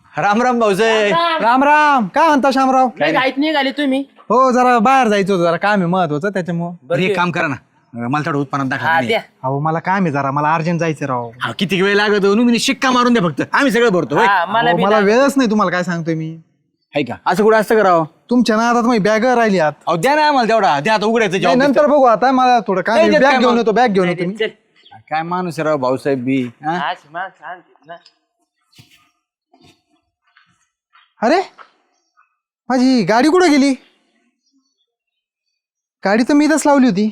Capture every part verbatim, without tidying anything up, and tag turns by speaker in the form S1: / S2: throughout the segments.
S1: राम राम भाऊसाहेब.
S2: राम राम. काय म्हणता शामराव?
S3: काय गायत निघाले तुम्ही?
S2: हो जरा बाहेर जायचं होतं, जरा काम आहे महत्वाचं त्याच्यामुळं.
S1: बरं एक काम करा ना, मला थोडं उत्पन्न
S3: हा
S1: दाखवा.
S3: द्या.
S2: अहो मला काम आहे जरा, मला अर्जंट जायचं राव.
S1: हा किती वेळ लागत मी शिक्का मारून द्या फक्त, आम्ही सगळं भरतो. होय?
S3: हा, मला
S2: अहो,
S3: बी
S2: मला
S3: ना-
S2: वेळच नाही, तुम्हाला काय सांगतोय मी.
S1: हाय का असं कुठं असतं करावं?
S2: तुमच्या नादात माझी बॅग राहिली आत.
S1: अहो द्या ना आम्हाला तेवढा, द्या आता उघडायचं
S2: नाही,
S1: job.
S2: नंतर बघू, आता मला थोडं काम
S1: नाही, देत
S2: बॅग
S1: काय
S2: घेऊन
S1: मग?
S2: येतो, बॅग घेऊन येतो मी.
S3: चल.
S1: काय माणूस आहे राव भाऊसाहेब बी. हा?
S3: अशी माणसं आणतात ना.
S2: अरे माझी गाडी कुठे गेली? गाडी तर मी इथंच लावली होती.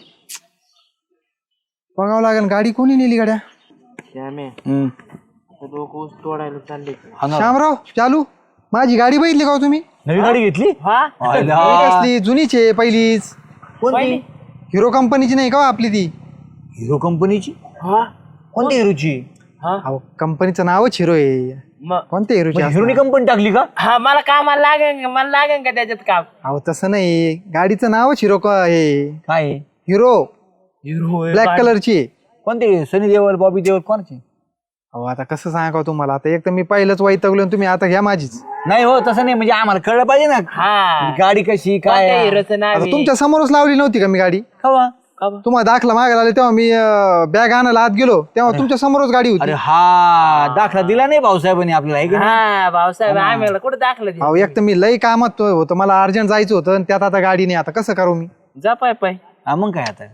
S2: बघावं लागेल गाडी कोणी नेली गाड्या.
S3: श्यामे,
S1: हम्म.
S3: आता लोक ऊस तोडायला चालले.
S1: हा ना.
S2: श्यामराव चालू माझी गाडी बघितली का हो तुम्ही?
S1: नवी गाडी घेतली?
S3: हा
S1: आयला.
S2: ही कसली जुनीच आहे पहिलीच.
S3: पहिली?
S2: हिरो कंपनीची नाही का हो आपली ती?
S1: हिरो कंपनीची?
S3: हा
S1: कोणत्या हिरोची?
S3: हा
S2: अहो कंपनीचं नावच हिरो आहे.
S3: मग
S2: कोणत्या हिरोची
S1: हिरोनी
S2: असणार?
S1: कंपनी टाकली का?
S3: हा मला कामाला लागेल का? मला लागेल का त्याच्यात काम?
S2: अहो तसं नाही, गाडीचं नावच हिरो का आहे.
S1: काय
S2: हिरो
S3: हिरो
S2: ब्लॅक कलरची आहे.
S1: कोणते? सनी देओल, बॉबी देओल, कोणाची?
S2: अहो आता कसं सांगा तुम्हाला, आता एक तर मी पहिलंच वैतागलो आणि तुम्ही आता घ्या माझीच.
S1: नाही हो तसं नाही, म्हणजे आम्हाला कळलं पाहिजे ना
S3: हा
S1: गाडी कशी काय
S3: कोणत्या
S1: आहे.
S3: हिरोचं नाव
S2: आता
S3: आहे?
S2: तुमच्या समोरच लावली नव्हती का मी गाडी?
S1: कवा?
S3: का बरं?
S2: तुम्हाला दाखला मागायला आले तेव्हा मी बॅग आणायला आत गेलो तेव्हा तुमच्या समोरच गाडी
S1: अरे
S2: होती.
S1: हा दाखला दिला नाही भाऊसाहेबांनी आपल्याला, आहे की नाही?
S3: हा भाऊसाहेब आम्हाला कुठं दाखलं ते?
S2: अहो एक तर मी लई कामात होतं, मला अर्जंट जायचं होतं आणि त्यात आता गाडी नाही, आता कसं करू मी?
S3: जा पाय पाय.
S1: हा मग काय आता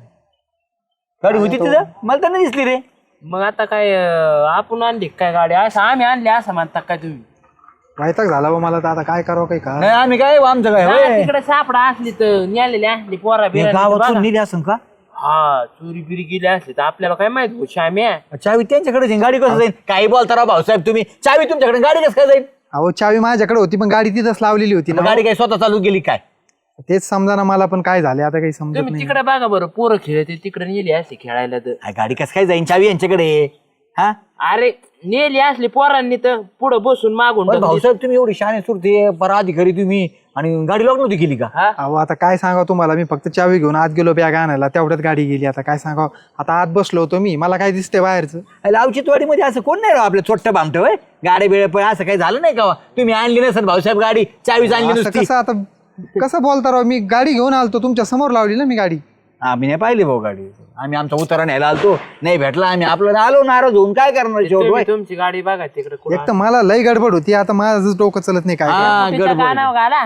S1: गाडी होती तिथं, मला तर नाही दिसली रे.
S3: मग आता काय अं, आपण आणली काय गाडी? असं आम्ही आणली असं म्हणता काय तुम्ही?
S2: वैताग झाला बा मला तर, आता काय करावं काही का.
S1: नाही आम्ही काय आमचं काय होय?
S3: तिकडे सापडा असली तर न्यालेली असली पोरा
S1: हे
S3: बिरा
S1: गावातून नेली असं का?
S3: हा चोरी बिरी गेली असली तर आपल्याला काय माहित हो श्याम्या.
S1: चावी त्यांच्याकडे जाईल, गाडी कसं जाईल? काही बोलता राव भाऊसाहेब तुम्ही, चावी तुमच्याकडे, गाडी कसं काय जाईल?
S2: अहो चावी माझ्याकडे होती पण गाडी तिथंच लावलेली होती
S1: मग
S2: ना.
S1: गाडी काय स्वतः चालू गेली काय?
S2: तेच समजा ना मला, पण काय झाले आता काही समजत
S3: तुम्ही
S2: नाही.
S3: तिकडे बघा बरं, पोरं खेळते तिकडे नेली असली खेळायला तर.
S1: हा, गाडी कसं काय जाईल? चावी यांच्याकडे आहे. हा
S3: अरे नेली असली पोरांनी तर पुढे बसून मागून
S1: पण
S3: टाकली.
S1: भाऊसाहेब तुम्ही एवढी शाणे सुरते परा अधिकारी तुम्ही, आणि गाडी लॉक नव्हती केली का?
S3: हा
S2: अहो आता काय सांगा तुम्हाला, मी फक्त चावी घेऊन आत गेलो बॅग आणायला, तेवढ्यात गाडी गेली. आता काय सांगा, आता आत बसलो होतो मी, मला काय दिसतंय बाहेरचं?
S1: लावचितवाडी मध्ये असं कोण नाही राव आपलं चोट्ट भामट होय, गाडी बिळे पण असं काही झालं नाही का? तुम्ही आणली नसेल भाऊसाहेब गाडी, चावीच आणली
S2: असं
S1: नुसती.
S2: कसं आता कसं बोलता राव, मी गाडी घेऊन आलतो, तुमच्या समोर लावली ना मी गाडी.
S1: आम्ही नाही पाहिली भाऊ गाडी, आम्ही आमचा उतारा न्यायला आलतो, नाही भेटला आम्ही आपल्याला आलो नाराज होऊन, काय करणार शेवट
S3: तुम्ही
S1: होय?
S3: तुमची गाडी बघा तिकडे
S2: एक तर मला लई गडबड होती, आता माझं डोकं चलत नाही काय करावं.
S1: हा गडबड.
S3: गाणं घाला.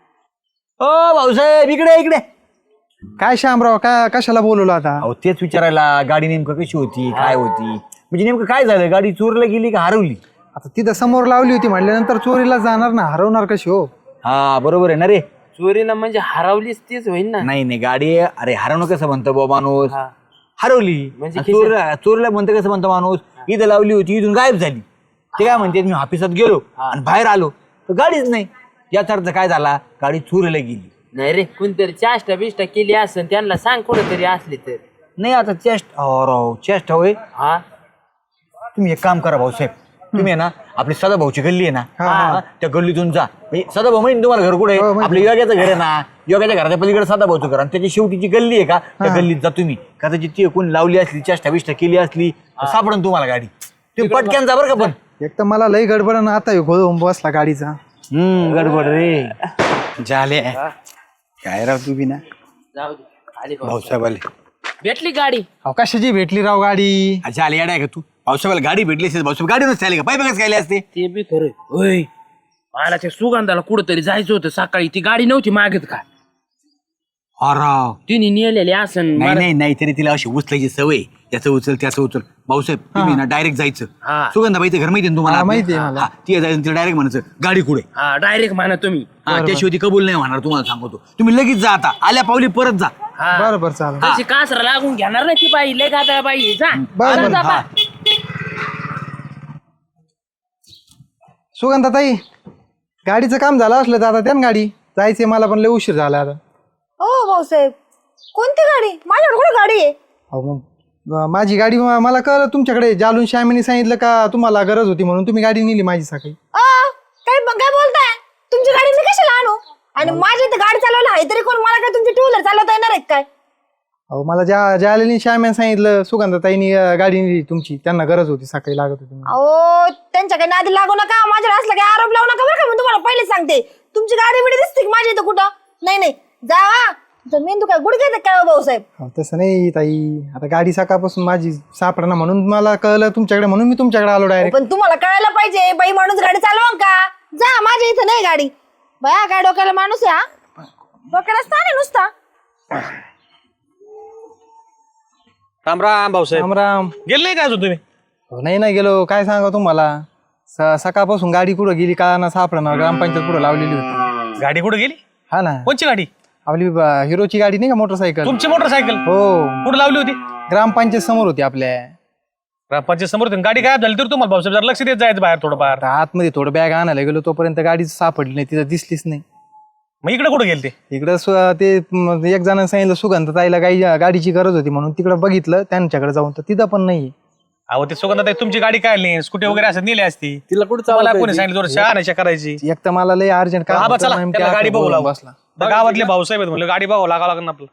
S1: ओ भाऊसाहेब इकडे इकडे.
S2: काय श्यामराव, काय कशाला बोलवलं आता?
S1: अहो तेच विचारायला, गाडी नेमकं कशी होती, काय होती, म्हणजे नेमकं काय झालं? गाडी चोरीला गेली का हरवली?
S2: आता तिथं समोर लावली होती म्हटल्यानंतर चोरीला जाणार ना, हरवणार कशी हो?
S1: हा बरोबर आहे ना रे.
S3: चोरीला म्हणजे हरवलीच तीच होईल ना.
S1: नाही नाही गाडी, अरे हरवणं कसं म्हणतो बा माणूस,
S3: हा.
S1: हरवली.
S3: म्हणजे
S1: आणि चोरीला चोरीला म्हणतं कसं म्हणतो माणूस, इथं लावली होती इथून गायब झाली. ते काय म्हणते, मी ऑफिसात गेलो आणि बाहेर आलो तर गाडीच नाही, याचा अर्थ काय झाला? गाडी चोरीला गेली.
S3: नाही रे, कोणतरी चाष्टा बिष्टा केली असेल, त्यांना सांग कुठेतरी असली तर.
S1: नाही आता चेस्ट, राव चेस्ट होय.
S3: हा
S1: तुम्ही एक काम करा भाऊसाहेब, तुम्ही आहे ना आपली सदाभाऊची गल्ली आहे ना, हा, त्या गल्लीतून जा. म्हणजे सदाभाऊ माहिती तुम्हाला घर कुठे
S2: हो,
S1: आहे?
S2: माहिती.
S1: आपलं योग्याचं घर आहे ना, योग्याच्या घराच्या पलीकडे सदाभाऊचं घर, आणि त्याची शेवटीची गल्ली आहे का, त्या गल्लीत जा तुम्ही. कदाचित ती कोणी लावली असली, चेष्टा बिष्टा केली असली, सापडून तुम्हाला गाडी. तुम्ही पटक्यान जा बरं का. पण
S2: एक तर मला लई गडबड आणि आता ह्यो घोळ होऊन बसला गाडीचा.
S1: हम्म गडबड रे झाले. काय राव तू बी ना
S3: जाऊ दे, आली भाऊ.
S1: भाऊसाहेब आले.
S3: भेटली गाडी.
S2: अहो कशाची भेटली राव गाडी?
S1: अच्छा आले येडा आहे का तू? भाऊसाहेबाला गाडी भेटली असेल, भाऊसाहेब गाडी नसते आली का? पाय बघाच काय असते.
S3: ते बी खरं होय. मला त्या सुगंधाला कुठंतरी जायचं होतं सकाळी, ती गाडी नव्हती मागत का?
S1: राव
S3: तिने नेलेली असन.
S1: नाही नाही नाही तरी तिला अशी उचलायची सवय, त्याचं उचल त्याचं उचल. भाऊसाहेब तुम्ही ना डायरेक्ट जायचं.
S3: हा.
S1: सुगंधाबाईचं घर माहिती ना तुम्हाला?
S2: हा, माहिती आहे मला.
S1: हा, ती जायचं तिला डायरेक्ट म्हणायचं गाडी कुठे.
S3: हा डायरेक्ट म्हणा तुम्ही.
S1: हा त्याशिवाय ती कबूल नाही होणार, तुम्हाला सांगतो. तुम्ही लगेच जा, आता आल्या पावली परत जा.
S3: हा
S2: बरं बरं चालेल.
S3: तशी कासरा लागून घेणार नाही ती बाई, लय गादा बाई. जा
S2: बरं,
S3: जा,
S2: बरं.
S3: जा,
S1: हा.
S2: सुगंधाताई, गाडीचं काम झालं असलं तर आता त्या गाडी जायचंय मला, पण लय उशीर झाला आता.
S4: हो भाऊसाहेब, कोणती गाडी? माझ्याकडे कुठे गाडी आहे?
S2: अहो मग अं, माझी गाडी म- मला कळलं तुमच्याकडे, जालून श्यामीने सांगितलं का तुम्हाला गरज होती म्हणून तुम्ही गाडी नेली माझी सकाळी.
S4: आ, काय काय बोलताय? तुमची गाडी मी कशाला आणू? आणि माझी इथे गाडी चालवायला आहे तरी कोण? मला काय तुमची टू व्हीलर चालवता येणार आहे काय?
S2: अहो मला ज्या ज्या आलेली श्याम्याने सांगितलं सुगंधाताईनी अं, गाडी नेली तुमची, त्यांना गरज होती, सकाळी लागत होती म्हणून.
S4: अहो त्यांच्याकडे नादी लागू नका, माझ्या असला काही आरोप लावू नका बरं का. मी तुम्हाला पहिले सांगते, तुमची गाडी बिडी दिसते की माझ्या इथं कुठं? नाही नाही जावा. तुमचा मेंदू काय गुडघ्यात आहे काय हो भाऊसाहेब?
S2: अहो, तसं नाही ताई, आता गाडी सकाळपासून माझी सापडा म्हणून मला कळलं तुमच्याकडे, म्हणून मी तुमच्याकडे आलो डायरेक्ट.
S4: पण तुम्हाला कळायला पाहिजे, बाई माणूस गाडी चालवा का? जा, माझ्या इथं नाही गाडी. बया काय डोक्याला माणूस आहे हा, डोक्याला स्थान आहे नुसता.
S5: राम राम भाऊसाहेब.
S2: राम राम.
S5: गेले नाही काय अजून तुम्ही?
S2: हो, नाही ना गेलो, काय सांगा तुम्हाला. स- सकाळपासून गाडी कुठं गेली का ना सापडा, ग्रामपंचायत पुढे लावलेली होती.
S5: गाडी कुठे गेली?
S2: हा ना,
S5: कोणची गाडी?
S2: आपली ब- हिरोची गाडी नाही का, मोटरसायकल.
S5: तुमची मोटरसायकल
S2: हो,
S5: कुठे लावली होती?
S2: ग्रामपंचायत समोर होती आपल्या.
S5: ग्रामपंचायत समोर होती. गाडी गायब झाली तर तुम्हाला भाऊसाहेब जरा लक्ष देत जायचं बाहेर थोडंफार.
S2: आता आतमध्ये थोडं बॅग आणायला गेलो, तोपर्यंत गाडी सापडली नाही, तिथं दिसलीच नाही.
S5: मग इकडे कुठे गेले ते?
S2: इकडं सु- ते म, एक जणांनी सांगितलं सुगंधताईला गाडी गाडीची गरज होती म्हणून तिकडं बघितलं त्यांच्याकडे जाऊन, तर तिथं पण नाही.
S5: अहो ते सुगंधाताई तुमची गाडी काय नाही, स्कूटी वगैरे असं नेली असती.
S1: तिला कुठं
S5: मला
S1: चालवता
S5: कोणी
S1: येते?
S5: सांगितलं थोडं शहाण्याच्या करायची.
S2: एक तर मला लय अर्जंट
S5: हा बा चला
S2: काम
S5: त्याला गाडी बघू लागू.
S2: बसला.
S5: तर गावातले भाऊसाहेब आहेत म्हणलं गाडी बघावं लागावं लागेल ना आपलं.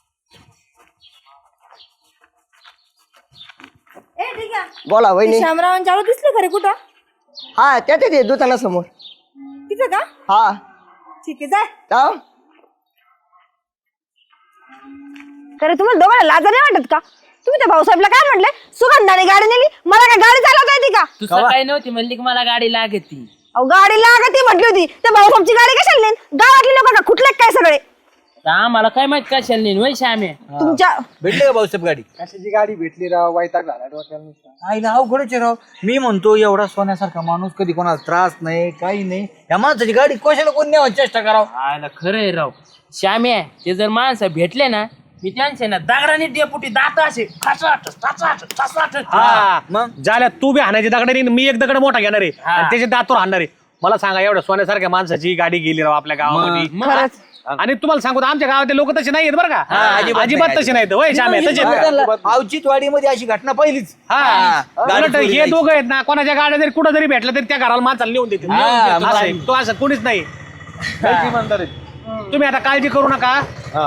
S4: ए ठीक आहे.
S6: बोला वहिनी.
S4: श्यामरावांच्या आलो दिसले खरे कुठं?
S6: हा त्या ते दुकानासमोर.
S4: तिथं का?
S6: हा
S4: ठीक आहे, जाय.
S6: जाऊ.
S4: अरे तुम्हाला दोघांना लाजा नाही वाटत का? तुम्ही त्या भाऊसाहेबला काय म्हटले? सुगंधाने गाडी नेली, मला काय गाडी चालवता येते का?
S3: तू सकाळी नव्हती म्हणली की मला गाडी लागती.
S4: अहो गाडी लागती म्हटली होती, त्या भाऊसाहेबची गाडी कशाला नेन? गावातली लोक का कुठले काय सगळे?
S3: तर आम्हाला काय माहित कशाला नाही वय श्यामे.
S4: तुमच्या
S1: भेटली का भाऊसाहेब गाडी?
S2: कशाची गाडी भेटली राव, वैताग झाला डोक्याला नुसता.
S1: आईला अवघडच आहे राव. मी म्हणतो एवढा सोन्यासारखा माणूस, कधी कोणाला त्रास नाही काही नाही, या माणसाची गाडी कशाला कोण न्यावं चेष्टा करावं?
S3: आयला खरं आहे राव श्यामे. ते जर माणसं भेटले ना, मी त्यांचे ना दगडाने डेपुटी दात असे ठसाठ ठसाठ ठसाठ.
S5: हा
S1: मग
S5: झाल्या तू बी हाणायची दगडाने, मी एक दगड मोठा घेणार आहे आणि त्याच्या दातवर हाणणार आहे. मला सांगा एवढ्या सोन्यासारख्या माणसाची गाडी गेली राव आपल्या गावामध्ये.
S4: खरंच
S5: आणि तुम्हाला सांगतो आमच्या गावातले लोक तसे नाहीयेत बरं का.
S1: अजिबात
S5: अजिबात
S1: नाही.
S5: तसे नाहीत. वय श्यामे तसे आहेत का?
S1: औचित्यवाडीमध्ये अशी घटना पहिलीच.
S5: हा
S1: गाडी
S5: उलट
S1: चोरी
S5: हे
S1: जायची.
S5: दोघं आहेत ना, कोणाच्या गाड्या जरी कुठं जरी भेटलं तरी त्या घराला माणसाला नेऊन देतील.
S1: हा,
S5: असं
S1: मग
S5: आहे. तो असं कोणीच नाही. तुम्ही आता काळजी करू नका.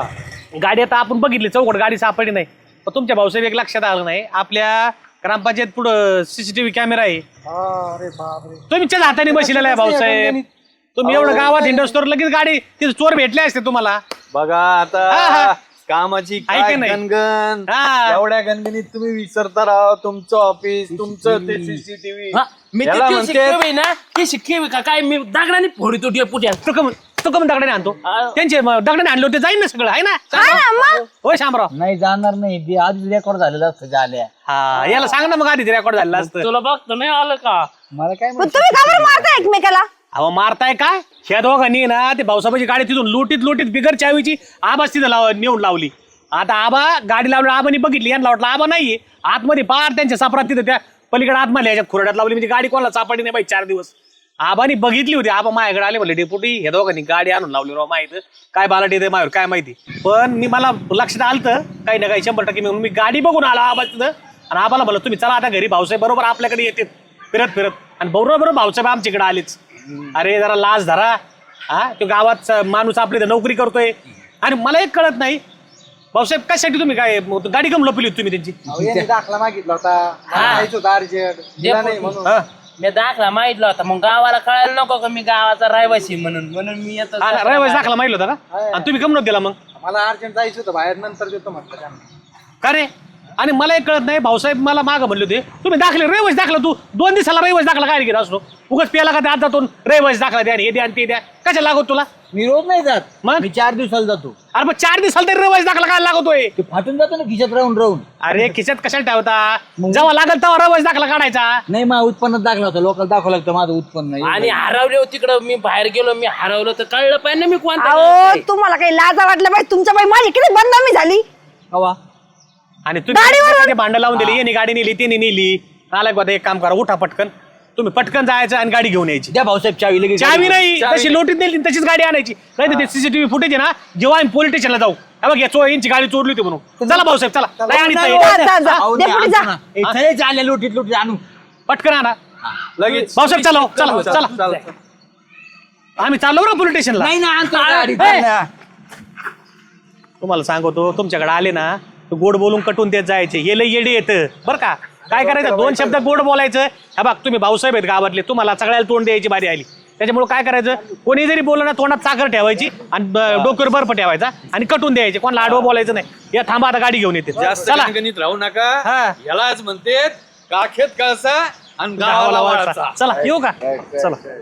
S5: गाडी आता आपण बघितली, चौकट गाडी सापडली नाही. पण तुमच्या भाऊसाहेब एक लक्षात आलं नाही, आपल्या ग्रामपंचायत पुढं सीसीटीव्ही कॅमेरा आहे.
S2: अरे बापरे.
S5: तुमच्याच हाताने बसलेला आहे भाऊसाहेब. तुम्ही एवढं गावात हिंडोस्टोर लगेच गाडी तिथे चोर भेटले असते तुम्हाला.
S7: बघा
S5: हा, हा.
S7: आता कामाची
S5: ऐका
S7: काय
S5: नाही.
S7: गणगण.
S5: हा.
S7: एवढ्या गणगणीत तुम्ही विसरता राव तुमचं ऑफिस, तुमचं ते सीसीटीव्ही.
S3: हा, मी
S7: याला
S3: ते
S7: म्हणते-
S3: शिकवे ना, ते शिकवे का काय मी दगडाने फोडितो डेपुट्या.
S5: तो कम तो कम दगडाने आणतो.
S3: हा.
S5: त्यांचे म- दगडाने आणले होते, जाईन ना सगळं आहे ना.
S4: हा ना मग.
S5: होय शामराव.
S1: नाही जाणार नाही, ते आधीच रेकॉर्ड झालेलं असतं झाल्या.
S5: हा याला सांग ना मग आधी रेकॉर्ड झालेलं असतं.
S3: तुला बघतो नाही आलं का?
S1: मला काय
S4: पण तुम्ही का बरं मारता एकमेकाला?
S5: अहो मारताय काय? ह्या दोघांनी ना ते भाऊसाहेबाची गाडी तिथून लोटीत लोटीत बिगर चावीची आबाच तिथं लाव नेऊन लावली. आता आबा गाडी लावली, आबानी बघितली, यांना वाटलं आबा नाहीये आतमध्ये, पार त्यांच्या सापरात तिथं त्या पलीकडे आतमध्ये ह्याच्यात खुरड्यात लावली. म्हणजे गाडी कोणाला सापडली नाही बाई चार दिवस. आबानी बघितली होती, आबा माझ्याकडे आले म्हणले डेपुटी ह्या दोघांनी गाडी आणून लावली राव, माहित काय बालाटी येते माझ्यावर काय माहिती. पण मी मला लक्षात आलं काही ना काही शंभर टक्के म्हणून मी गाडी बघून आलो आबा तिथं. आणि आबाला म्हणलं तुम्ही चला आता घरी, भाऊसाहेब बरोबर आपल्याकडे येते फिरत फिरत. आणि बरोबर बरोबर भाऊसाहेब आमच्याकडे आलेच. अरे जरा लाज धरा. हा तो गावात माणूस आपली तर नोकरी करतोय. आणि मला एक कळत नाही भाऊसाहेब कशासाठी तुम्ही काय गाडी कम लपली होती तुम्ही त्यांची?
S2: अहो, यांनी दाखला मागितला होता, मला जायचं होतं अर्जंट, दिला नाही म्हणून.
S5: हा.
S3: मी दाखला माहितला होता, मग गावाला कळायला नको का मी गावाचा रहिवासी म्हणून म्हणून मी येतो.
S5: हा, रहिवासी दाखला माहिती होता का? आणि तुम्ही कम नव्हतं दिला मग?
S2: मला अर्जंट जायचं होतं बाहेर, नंतर देतो म्हटलं त्यांना.
S5: का रे? आणि मला एक कळत नाही, भाऊसाहेब मला मागं म्हणले होते तुम्ही दाखले रहिवासी दाखला, तू दोन दिवसाला रहिवासी दाखला काय घेत असतो? उगाच प्याला का ते आता दोन रहिवासी दाखला द्या, हे द्या आणि ते द्या, कशा लागत तुला?
S1: मी रोज नाही जात,
S5: मग?
S1: मी चार दिवसाला जातो.
S5: अरे मग चार दिवसाला तरी रहिवासी दाखला काय लागतोय?
S1: ते फाटून जातो ना खिशात राहून राहून.
S5: अरे खिशात कशाला ठेवता? जेव्हा लागल तेव्हा रहिवासी दाखला काढायचा.
S1: नाही माझ्या उत्पन्नात दाखला होता, लोकल दाखवलं लागतं माझं उत्पन्न नाही.
S3: आणि हरवले तिकडं मी बाहेर गेलो, मी हरवलं तर कळलं पाहिजे ना मी कोणता
S4: अहो
S3: गावाचा आहे.
S4: तुम्हाला काही लाजा वाटलं पाहिजे, तुमच्या बाई माझी किती बदनामी झाली.
S1: हवा
S5: आणि तुम्ही भांडं लावून दिली, यांनी गाडी नेली त्यांनी नेली. आलाय बघा एक काम करा, उठा पटकन, तुम्ही पटकन जायचं आणि गाडी घेऊन यायची.
S1: द्या भाऊसाहेब चावी लगेच.
S5: चावी नाही, तशी लोटीत नेली तशीच गाडी आणायची. नाही तर ते सीसीटीव्ही फुटेज आहे ना, जेव्हा आम्ही पोलीस स्टेशनला जाऊ, हे बघ या चो यांची गाडी चोरली होती म्हणून. चला भाऊसाहेब चला, नाही आणत नाही.
S4: जा, जा, जा.
S1: अहो, नाही,
S4: डेपुटी जा.
S1: आणतो ना. ए, चले आले लोटीत लोटीत आणू.
S5: पटकन आणा
S7: लगेच
S5: भाऊसाहेब. चला चला चला, आम्ही चाललो ना पोलीस स्टेशनला.
S1: नाही ना आणतो गाडी.
S5: ए. तुम्हाला सांगतो तुमच्याकडे आले ना तर गोड बोलून कटून देत जायचे हे लय येडे येतं बरं का. काय करायचं दोन शब्द गोड बोलायचं. हा बघ तुम्ही भाऊसाहेब आहेत गावातले तुम्हाला सगळ्याला तोंड द्यायची बारी आली. त्याच्यामुळे काय करायचं कोणी जरी बोललं ना तोंडात साखर ठेवायची आणि ब- डोक्यावर बर्फ ठेवायचा आणि कटून द्यायचे. कोणाला आडवं बोलायचं नाही. या थांबा आता गाडी घेऊन येते.
S7: जास्त
S5: चला
S7: गणगणित राहू नका.
S5: हा.
S7: यालाच म्हणते काखेत कळसा आणि
S5: गावाला
S7: गावाला
S5: वळसा.
S7: वळसा.
S5: चला येऊ का चला.